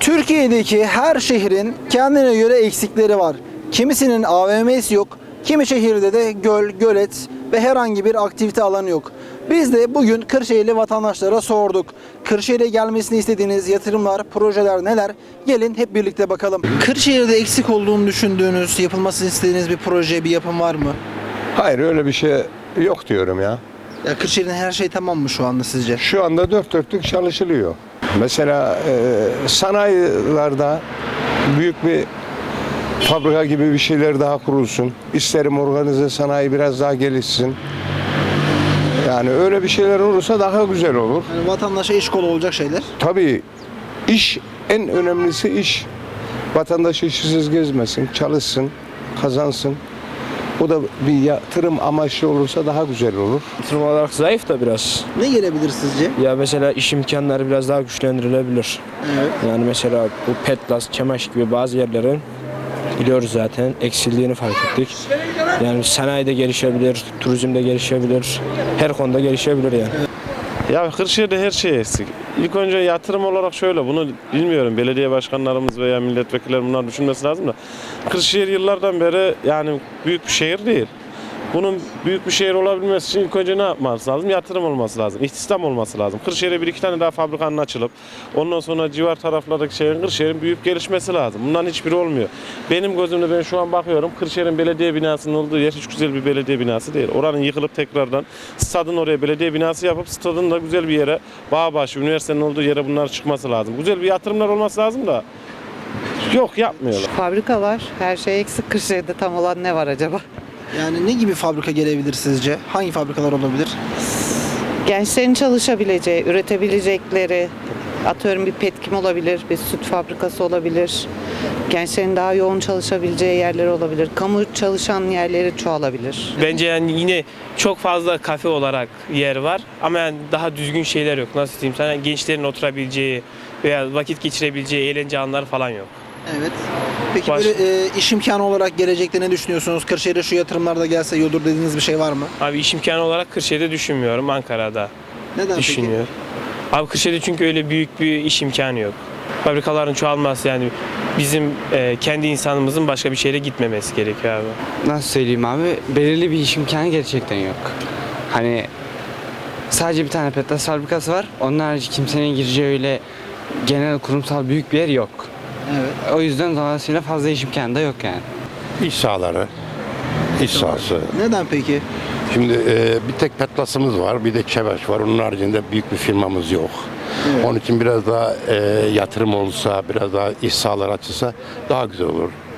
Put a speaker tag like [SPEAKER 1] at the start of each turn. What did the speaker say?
[SPEAKER 1] Türkiye'deki her şehrin kendine göre eksikleri var. Kimisinin AVM'si yok, kimi şehirde de göl, gölet ve herhangi bir aktivite alanı yok. Biz de bugün Kırşehirli vatandaşlara sorduk. Kırşehir'e gelmesini istediğiniz yatırımlar, projeler neler? Gelin hep birlikte bakalım. Kırşehir'de eksik olduğunu düşündüğünüz, yapılmasını istediğiniz bir proje, bir yapım var mı?
[SPEAKER 2] Hayır, öyle bir şey yok diyorum ya.
[SPEAKER 1] Ya Kırşehir'in her şey tamam mı şu anda sizce?
[SPEAKER 2] Şu anda dört dörtlük çalışılıyor. Mesela sanayilerde büyük bir fabrika gibi bir şeyler daha kurulsun. İsterim organize sanayi biraz daha gelişsin. Yani öyle bir şeyler olursa daha güzel olur.
[SPEAKER 1] Yani vatandaşa iş kolu olacak şeyler.
[SPEAKER 2] Tabii iş, en önemlisi iş. Vatandaş işsiz gezmesin, çalışsın, kazansın. Bu da bir yatırım amaçlı olursa daha güzel olur.
[SPEAKER 3] Yatırım olarak zayıf da biraz.
[SPEAKER 1] Ne gelebilir sizce?
[SPEAKER 3] Ya mesela iş imkanları biraz daha güçlendirilebilir.
[SPEAKER 1] Evet.
[SPEAKER 3] Yani mesela bu Petlas, Çemaş gibi bazı yerlerin biliyoruz zaten eksildiğini fark ettik. Yani sanayide gelişebilir, turizmde gelişebilir, her konuda gelişebilir yani.
[SPEAKER 4] Ya Kırşehir'de her şey eksik. İlk önce yatırım olarak şöyle, bunu bilmiyorum, belediye başkanlarımız veya milletvekilleri bunlar düşünmesi lazım da. Kırşehir yıllardan beri yani büyük bir şehir değil. Bunun büyük bir şehir olabilmesi için ilk önce ne yapması lazım? Yatırım olması lazım, istihdam olması lazım. Kırşehir'e bir iki tane daha fabrikanın açılıp ondan sonra civar taraflardaki şehrin, Kırşehir'in büyük gelişmesi lazım. Bunların hiçbiri olmuyor. Benim gözümde ben şu an bakıyorum, Kırşehir'in belediye binasının olduğu yer hiç güzel bir belediye binası değil. Oranın yıkılıp tekrardan stadın oraya belediye binası yapıp stadın da güzel bir yere, Bağbaşı, üniversitenin olduğu yere bunlar çıkması lazım. Güzel bir yatırımlar olması lazım da yok, yapmıyorlar.
[SPEAKER 5] Fabrika var. Her şey eksik. Kırşehir'de tam olan ne var acaba?
[SPEAKER 1] Yani ne gibi fabrika gelebilir sizce? Hangi fabrikalar olabilir?
[SPEAKER 5] Gençlerin çalışabileceği, üretebilecekleri, atıyorum bir petkim olabilir, bir süt fabrikası olabilir. Gençlerin daha yoğun çalışabileceği yerler olabilir. Kamu çalışan yerleri çoğalabilir.
[SPEAKER 6] Bence yani yine çok fazla kafe olarak yer var ama yani daha düzgün şeyler yok. Nasıl diyeyim sana, gençlerin oturabileceği veya vakit geçirebileceği eğlence alanları falan yok.
[SPEAKER 1] Evet. Peki
[SPEAKER 6] Baş-
[SPEAKER 1] böyle iş imkanı olarak gelecekte ne düşünüyorsunuz? Kırşehir'e şu yatırımlar da gelse iyi olur dediğiniz bir şey var mı?
[SPEAKER 6] Abi iş imkanı olarak Kırşehir'de düşünmüyorum, Ankara'da
[SPEAKER 1] Neden
[SPEAKER 6] düşünüyor. Abi Kırşehir'de çünkü öyle büyük bir iş imkanı yok. Fabrikaların çoğalması yani bizim kendi insanımızın başka bir şehre gitmemesi gerekiyor abi.
[SPEAKER 7] Nasıl söyleyeyim abi? Belirli bir iş imkanı gerçekten yok. Hani sadece bir tane Petlas fabrikası var. Onun harici kimsenin gireceği öyle genel kurumsal büyük bir yer yok.
[SPEAKER 1] Evet.
[SPEAKER 7] O yüzden dolayısıyla fazla iş imkanı da yok yani.
[SPEAKER 8] İş sahaları, iş sahası.
[SPEAKER 1] Neden peki?
[SPEAKER 8] Şimdi bir tek Petlas'ımız var, bir de Çevaş var. Onun haricinde büyük bir firmamız yok.
[SPEAKER 1] Evet.
[SPEAKER 8] Onun için biraz daha yatırım olsa, biraz daha iş sahaları açılsa daha güzel olur.